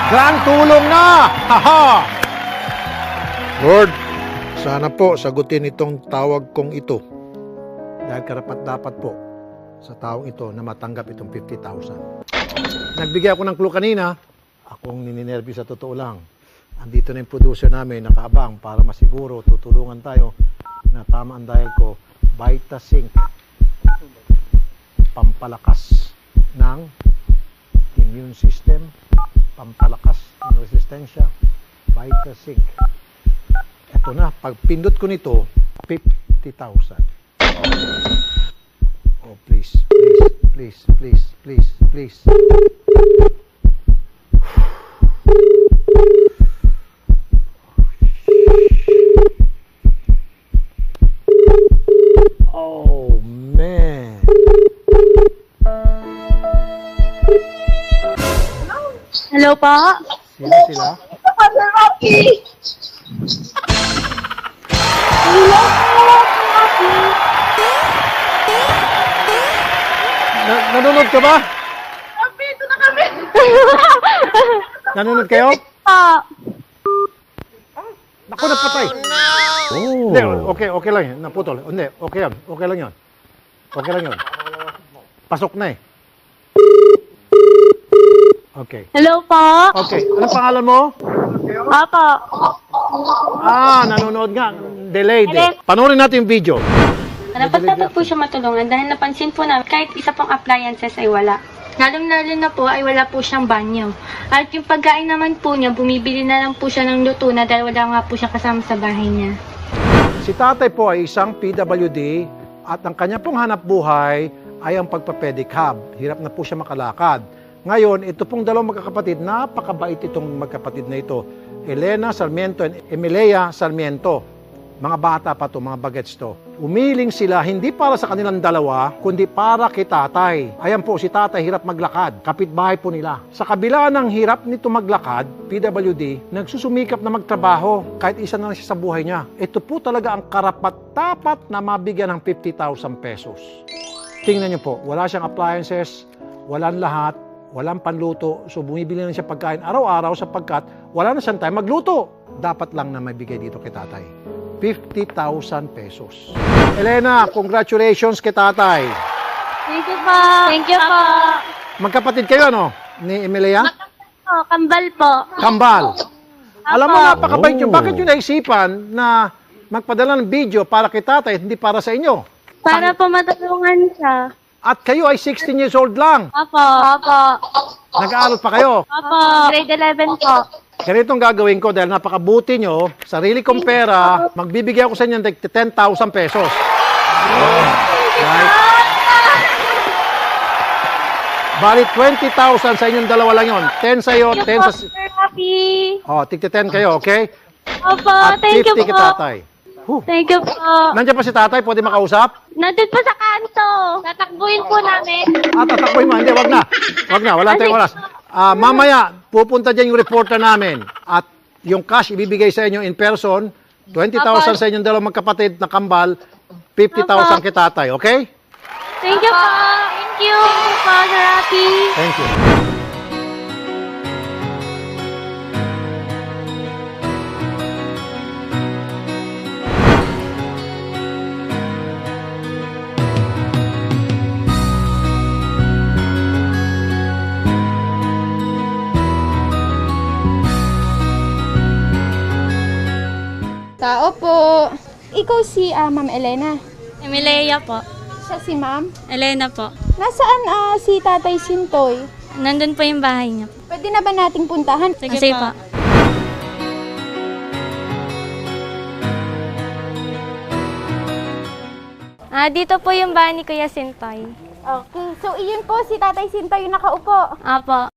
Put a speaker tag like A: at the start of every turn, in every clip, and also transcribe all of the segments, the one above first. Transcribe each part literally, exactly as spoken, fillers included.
A: Grand tulong na! Haha! Lord, sana po sagutin itong tawag kong ito. Dahil karapat dapat po sa taong ito na matanggap itong fifty thousand. Nagbigay ako ng clue kanina. Akong nininervyo sa totoo lang. Andito na yung producer namin, nakaabang para masiguro tutulungan tayo na tama ang dial ko. Vitasync. Pampalakas ng immune system. Pampalakas ng resistensya. Vitasync. Ito na, pag pindot ko nito, fifty thousand. Oh, please, please, please, please, please, please. Oh, man.
B: Hello po?
A: Sino sila?
B: Rocky! Hello po, Rocky!
A: Na nanonood ka ba?
B: Rocky, ito na kami!
A: Nanonood kayo?
B: Po.
A: Naku, napatay.
C: Oh.
A: Hindi, okay, okay lang yan. Naputol. Hindi, okay yan. Okay lang yan. Okay lang yan. Pasok na eh. Okay.
B: Hello po?
A: Okay. Anong pangalan mo?
B: Opo.
A: Ah, nanonood nga. Delayed eh. Panoorin natin yung video.
D: Dapat dapat po siya matulungan dahil napansin po namin kahit isa pang appliances ay wala. Lalong-lalo na po ay wala po siyang banyo. At yung pagkain naman po niya, bumibili na lang po siya ng luto na dahil wala nga po siya kasama sa bahay niya.
A: Si tatay po ay isang P W D at ang kanya pong hanap buhay ay ang pagpapedicab. Hirap na po siya makalakad. Ngayon, ito pong dalawang magkakapatid, napakabait itong magkapatid na ito. Elena Sarmiento and Emilia Sarmiento. Mga bata pa to, mga bagets to. Umiling sila hindi para sa kanilang dalawa, kundi para kay tatay. Ayan po, si tatay hirap maglakad. Kapitbahay po nila. Sa kabila ng hirap nito maglakad, P W D, nagsusumikap na magtrabaho kahit isa na lang siya sa buhay niya. Ito po talaga ang karapat-dapat na mabigyan ng fifty thousand pesos. Tingnan niyo po, wala siyang appliances, walang lahat, walang panluto, so bumibili na siya pagkain araw-araw sapagkat wala na siyang time magluto. Dapat lang na may bigay dito kay tatay. fifty thousand pesos. Elena, congratulations kay tatay.
B: Thank you po. Thank you po.
A: Magkapatid kayo, no? Ni Emilia?
B: Oh, kambal po.
A: Kambal. Alam mo, napakabait yun.
C: Oh.
A: Bakit yun naisipan na magpadala ng video para kay tatay, hindi para sa inyo?
B: Para po matulungan siya.
A: At kayo ay sixteen years old lang.
B: Opo. Opo.
A: Nag-aaral pa kayo.
B: Opo. Grade eleven po.
A: Ganitong gagawin ko dahil napakabuti nyo, sarili kong pera, magbibigay ako sa inyo ng ten thousand pesos. Right? Bali, twenty thousand sa inyong dalawa lang yun. ten sa iyo, ten sa...
B: Sir Rocky.
A: Oh, tigti ten kayo, okay?
B: Opo.
A: At
B: Thank you
A: fifty kay
B: po.
A: tatay. Huh.
B: Thank you po.
A: Nandiyan pa si tatay, pwede makausap?
B: Nandun po sa kanto. Tatakbuhin po namin.
A: Ah, tatakboy mo. Hindi, wag na. Wag na, wala tayong oras. Ah, mamaya, pupunta dyan yung reporter namin. At yung cash ibibigay sa inyo in person, twenty thousand sa inyong dalawang magkapatid na kambal, fifty thousand kay tatay, okay?
B: Thank you po. Thank you po, Sir Rocky.
A: Thank you.
E: Tao po. Ikaw si ah, Ma'am Elena.
D: Emilia po.
E: Siya si Ma'am.
D: Elena po.
E: Nasaan ah, si Tatay Sintoy?
D: Nandun po yung bahay niya.
E: Pwede na ba nating puntahan?
D: Sige, Sige po. Ah, dito po yung bahay ni Kuya Sintoy.
E: Okay. So, iyon po si Tatay Sintoy yung nakaupo.
D: Apo.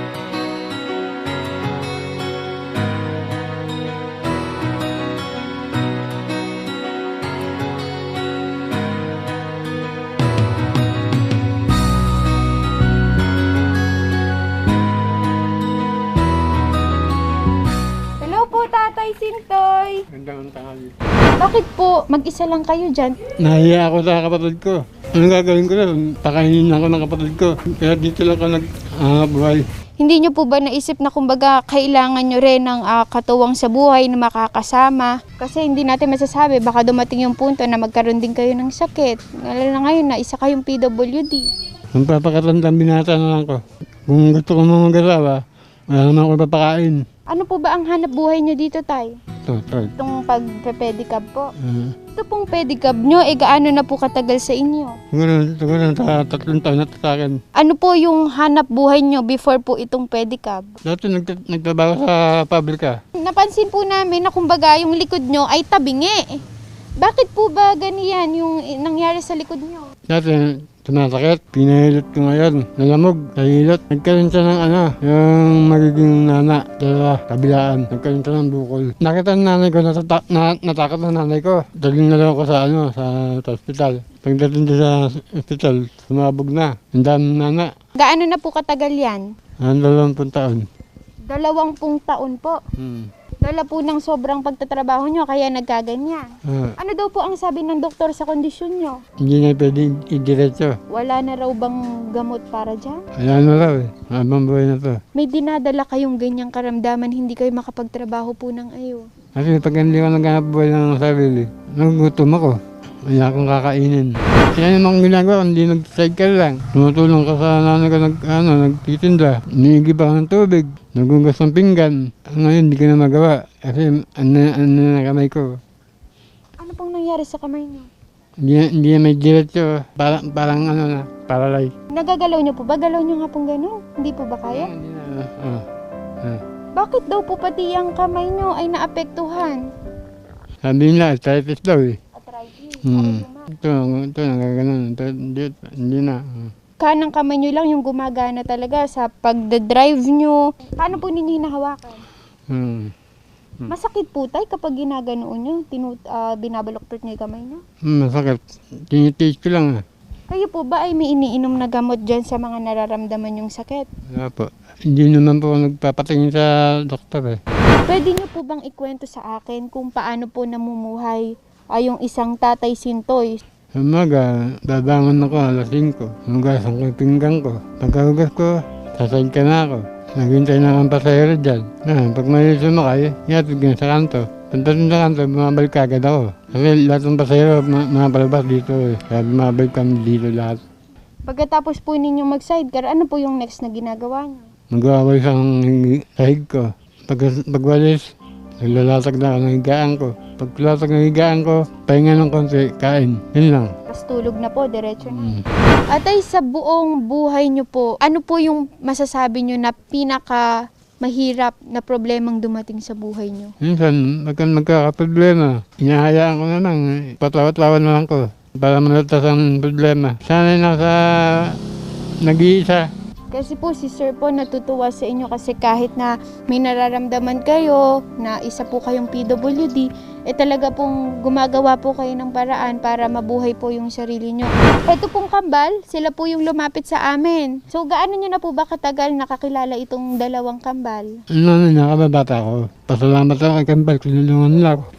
E: Hello po, Tatay Sintoy.
C: Gandang tanghali.
E: Bakit po? Mag-isa lang kayo dyan.
C: Nahiya ako sa kapatid ko. Anong gagawin ko na? Pakainin ako ng kapatid ko. Kaya dito lang ako nag-buhay.
E: Hindi nyo po ba naisip na kumbaga kailangan nyo rin ng ah, katuwang sa buhay na makakasama? Kasi hindi natin masasabi, baka dumating yung punto na magkaroon din kayo ng sakit. Lalo na ngayon na isa kayong P W D.
C: Ang papakatandang binata na lang ko. Kung gusto ko mga mag-asawa, wala naman ako papakain.
E: Ano po ba ang hanap buhay nyo dito, Tay?
C: Ito, ito.
E: Itong pag-pedicab po.
C: Uh,
E: Ito pong pedicab nyo, eh gaano na po katagal sa inyo?
C: siguro, siguro, ta- tatlong taon na to sa akin.
E: Ano po yung hanap buhay nyo before po itong pedicab?
C: Dati nagta- nagtrabaho sa pabrika.
E: Napansin po namin na kumbaga yung likod nyo ay tabingi. Bakit po ba ganiyan yung nangyari sa likod nyo?
C: Dati, tumasakit. Pinahilot ko ngayon. Nalamog. Nahilot. Nagkaroon siya ng ano, yung magiging nana. Dala, kabilaan. Nagkaroon siya ng bukol. Nakita ng nanay ko, natata- na, natakot ng nanay ko. Daling na lang ako sa ano, sa, sa hospital. Pagdating doon sa hospital, sumabog na. Ang dami ng nana.
E: Gaano na po katagal yan?
C: Ang dalawampung taon.
E: Dalawampung taon po.
C: Hmm.
E: Dala po ng sobrang pagtatrabaho nyo kaya nagkaganyan.
C: Ah,
E: Ano daw po ang sabi ng doktor sa kondisyon nyo?
C: hindi na pwede idiretso.
E: Wala na raw bang gamot para dyan?
C: Wala na raw eh. Habang buhay na to.
E: May dinadala kayong ganyang karamdaman, hindi kayo makapagtrabaho po ng ayo.
C: Kasi pag hindi ko naghanap buhay ng sarili, nagugutom ako. Wala akong kakainin. Yan yung mga ginagawa, hindi nag-cycle lang. Tumutulong ka sa nanay ko, nag, ano, nagtitinda. Niigib ako ng tubig, nagugas ng pinggan. Ngayon, hindi ko na magawa. Kasi ano, ano na kamay ko.
E: Ano pong nangyari sa kamay nyo?
C: Hindi, na- hindi na may diretso. Parang, parang ano na, paralyzed.
E: Nagagalaw nyo po ba? Galaw nyo nga pong gano'n? Hindi po ba kaya?
C: Hindi na, ah, ah.
E: Bakit daw po pati ang kamay nyo ay naapektuhan?
C: Sabi nila, arthritis daw eh.
E: Arthritis.
C: Hmm. Ito, ito, nagaganon. Ito, hindi, hindi na. ah.
E: Kanang kamay nyo lang yung gumagana talaga sa pagdadrive nyo. Paano po ninyo hinahawakan?
C: Hmm.
E: Masakit po tay kapag ginaganoon nyo, tinu, ah, binabaloktot nyo yung kamay nyo?
C: Hmm, masakit. Tinitiis ko lang ah.
E: Kayo po ba ay may iniinom na gamot dyan sa mga nararamdaman yung sakit?
C: Wala po. Hindi naman po ako nagpapatingin sa doktor eh.
E: Pwede nyo po bang ikwento sa akin kung paano po namumuhay ay yung isang tatay sintoy?
C: Sa umaga, babangon ako alas singko. Hugasan ko yung pinggan ko. Pagkahugas ko, sasayad ka na ako. Naghintay na akong pasahero dyan. Ah, pag may sumakay, yatid ko sa kanto. Pagdating sa kanto, bumabalik agad ako. Kasi lahat ng pasahero, ma- mga palabas dito eh. Kaya bumabalik kami dito lahat.
E: Pagkatapos po ninyong mag-sidecar, ano po yung next na ginagawa nyo?
C: Mag-aaway sa sahig ko. Pag, pagwalis, naglalatag na ako ng higaan ko. Pag latag ng higaan ko, pahinga ng konti, kain. Yun lang.
E: Tapos tulog na po, diretso na.
C: Mm.
E: Atay, sa buong buhay nyo po, ano po yung masasabi nyo na pinaka mahirap na problemang dumating sa buhay nyo?
C: Minsan, pagka magkakaproblema, inahayaan ko na lang. Patawat-tawan na lang ko para malatas ang problema. Sana'y nasa nag-iisa.
E: Kasi po si Sir po natutuwa sa inyo kasi kahit na may nararamdaman kayo na isa po kayong P W D, eh talaga pong gumagawa po kayo ng paraan para mabuhay po yung sarili nyo. Ito pong kambal, sila po yung lumapit sa amin. So gaano nyo na po ba katagal nakakilala itong dalawang kambal?
C: Ano na, nakababata ko. Pasalamat ako kay Kambal, kinulungan nila ako.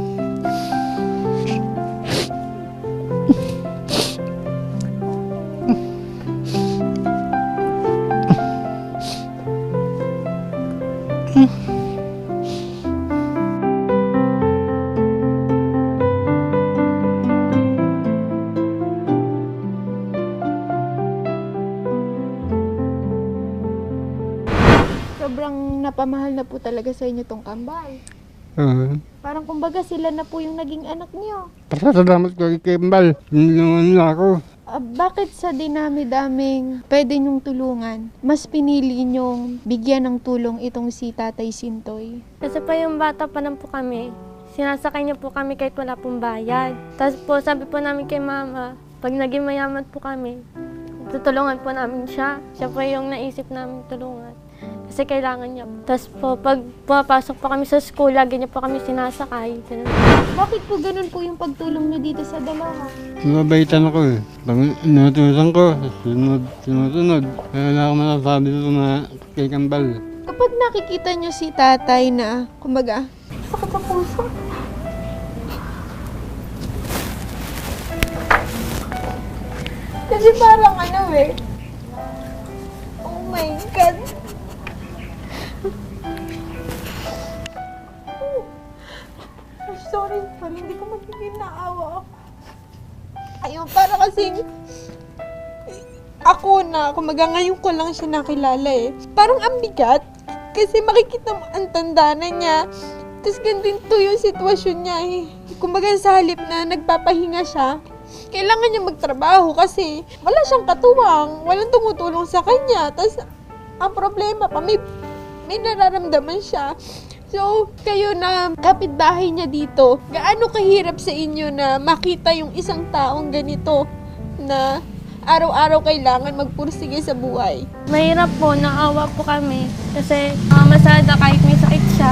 E: Sobrang napamahal na po talaga sa inyo tong kambal.
C: Oo.
E: Parang kumbaga sila na po yung naging anak nyo.
C: Pasalamat ko kay Kambal, kinulungan nila ako.
E: Ah, bakit sa dinami-daming pwede nyong tulungan, mas pinili nyong bigyan ng tulong itong si Tatay Sintoy?
D: Kasi po yung bata pa lang po kami, sinasakay niya po kami kahit wala pong bayad. Tapos po sabi po namin kay mama, pag naging mayaman po kami, tutulungan po namin siya. Siya po yung naisip namin tulungan. Kasi kailangan niya po. Tapos po, pag pumapasok po kami sa school, lagi niya po kami sinasakay. Ganun.
E: Bakit po ganun po yung pagtulong nyo dito sa dalawa?
C: Mabaitan ako eh. Pag inutusan ko, sunod, sinusunod. Kaya wala akong masasabi dito na kay Kambal.
E: Kapag nakikita nyo si tatay na, kumbaga, sakit sa puso. Kasi parang ano eh, oh my God,
F: naawa ako. Ayun, para kasing ako na, kumaga ngayon ko lang siya nakilala eh. Parang ang bigat. Kasi makikita mo ang tanda na niya. Tapos ganito yung sitwasyon niya eh. Kumbaga sa halip na nagpapahinga siya, kailangan niya magtrabaho kasi wala siyang katuwang, walang tumutulong sa kanya. Tapos ang problema pa, may, may nararamdaman siya. So, kayo na kapitbahay niya dito, gaano kahirap sa inyo na makita yung isang taong ganito na araw-araw kailangan magpursige sa buhay?
D: Mahirap po, naawa po kami. Kasi uh, masada kahit may sakit siya.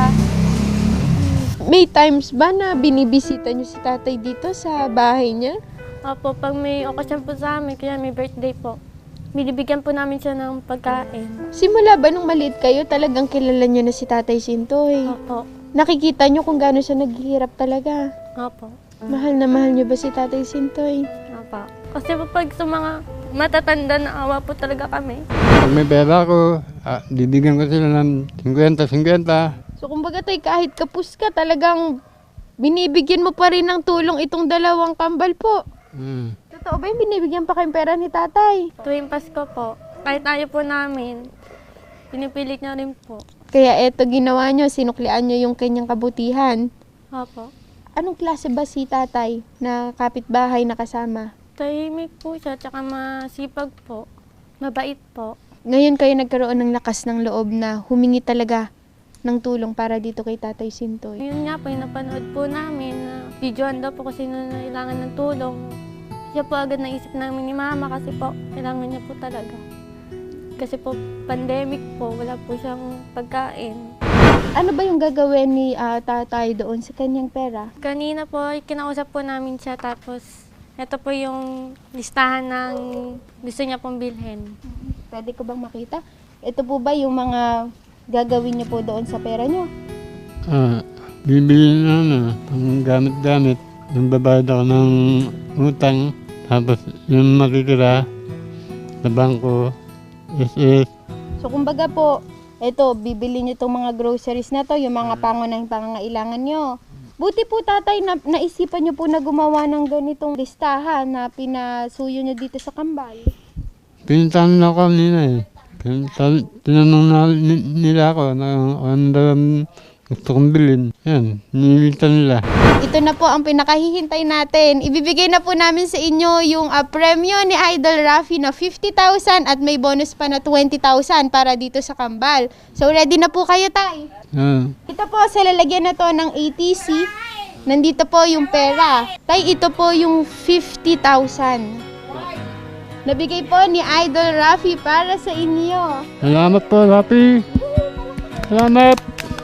F: May times ba na binibisita niyo si tatay dito sa bahay niya?
D: Opo, pag may okasyon po sa amin, kaya may birthday po, binibigyan po namin siya ng pagkain.
F: Simula ba nung maliit kayo, talagang kilala niyo na si Tatay Sintoy?
D: Opo.
F: Nakikita niyo kung gaano siya naghihirap talaga?
D: Opo.
F: Mahal na mahal niyo ba si Tatay Sintoy?
D: Opo. Kasi po pag sa mga matatanda na awa po talaga kami.
C: Pag may pera ko, ah, bibigyan ko sila ng fifty fifty.
F: So kumbaga tay, kahit kapus ka, talagang binibigyan mo pa rin ng tulong itong dalawang kambal po.
C: Mm.
F: Totoo ba yung binibigyan pa kayong pera ni tatay?
D: Tuwing Pasko po, kahit ayaw po namin, pinipilit niya rin po.
F: Kaya eto ginawa nyo, sinuklian nyo yung kanyang kabutihan.
D: Opo.
F: Anong klase ba si tatay na kapitbahay na kasama?
D: Tahimik po siya, tsaka masipag po. Mabait po.
F: Ngayon kayo nagkaroon ng lakas ng loob na humingi talaga ng tulong para dito kay Tatay Sintoy.
D: Yun nga po, yung napanood po namin na videoan daw po kasi na kailangan ng tulong. Siya po agad naisip namin ni Mama kasi po, kailangan niya po talaga. Kasi po, pandemic po, wala po siyang pagkain.
F: Ano ba yung gagawin ni ah, tatay doon sa kanyang pera?
D: Kanina po, kinausap po namin siya tapos ito po yung listahan ng gusto niya pong bilhin.
F: Pwede ko bang makita? Ito po ba yung mga gagawin niyo po doon sa pera niyo?
C: Ah, bibili na ano, ang gamit-gamit. Yung babayad ako ng utang, tapos yung makikira sa bangko, S S.
F: So kumbaga po, ito, bibili niyo itong mga groceries na to, yung mga pangunahing pangangailangan niyo. Buti po tatay, na, naisipan niyo po na gumawa ng ganitong listahan na pinasuyo niyo dito sa kambal.
C: Pinuntahan na ako kanina eh. Pinuntahan- Tinanong na ni- nila ako na ano daw ang gusto kong bilhin. Yan, nilita nila.
F: Ito na po ang pinakahihintay natin. Ibibigay na po namin sa inyo yung uh, premyo ni Idol Rafi na fifty thousand at may bonus pa na twenty thousand para dito sa kambal. So ready na po kayo tay?
C: Yan.
F: Ito po sa lalagyan na to ng A T C. Nandito po yung pera. Tay, ito po yung fifty thousand. Nabigay po ni Idol Rafi para sa inyo.
C: Salamat po, Rapi. Salamat.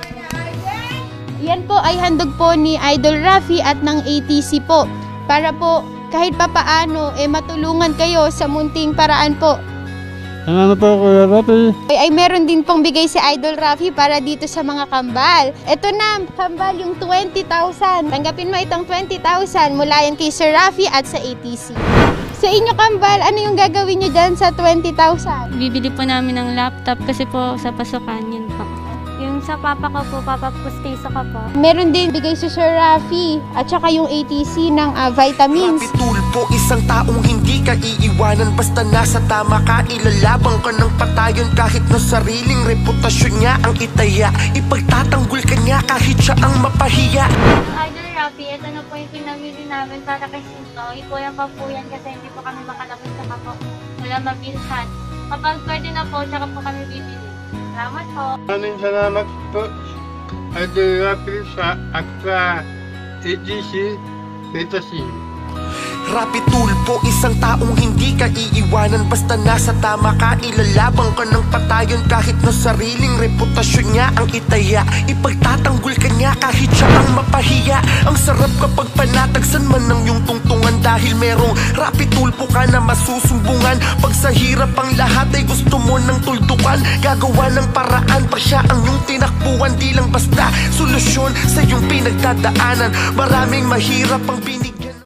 F: Yan po ay handog po ni Idol Rafi at ng A T C po. Para po kahit papaano eh matulungan kayo sa munting paraan po.
C: Salamat po, Kuya Rapi.
F: Ay, ay meron din pong bigay si Idol Rafi para dito sa mga kambal. Ito na, kambal yung twenty thousand. Tanggapin mo itong twenty thousand mula yan kay Sir Rafi at sa A T C. Sa inyo kambal, ano yung gagawin nyo dyan sa twenty thousand?
D: Bibili po namin ng laptop kasi po sa pasukan yun po. Yung sa papa ko po, papa pustiso ko po.
F: Meron din bigay si Sir Rafi at saka yung A T C ng ah, vitamins.
G: Rapi Tulpo, isang taong hindi ka iiwanan. Basta nasa tama ka, ilalabang ka ng patayon. Kahit na sariling reputasyon niya ang itaya, ipagtatanggol ka niya kahit siya ang mapahiya.
B: Idol Rafi, ito na po yung pinamili namin para kay Sintoy. Kuya pa po yan kasi hindi po kami makalapit sa kapo. Wala mabilhan. Kapag pwede na po, tsaka po kami bibili. Salamat po.
C: Maraming salamat po, Idol Rapi, sa at sa A G C, Beta C.
G: Rapi Tulpo, isang taong hindi ka iiwanan. Basta nasa tama ka, ilalabang ka ng patayon. Kahit na sariling reputasyon niya ang itaya, ipagtatanggol ka niya kahit siya ang mapahiya. Ang sarap kapag panatagsan man ng iyong tungtungan, dahil merong Rapi Tulpo ka na masusumbungan. Pag sa hirap ang lahat ay gusto mo ng tuldukan, gagawa ng paraan pa siya ang iyong tinakbuhan. Di lang basta solusyon sa iyong pinagdadaanan. Maraming mahirap ang binig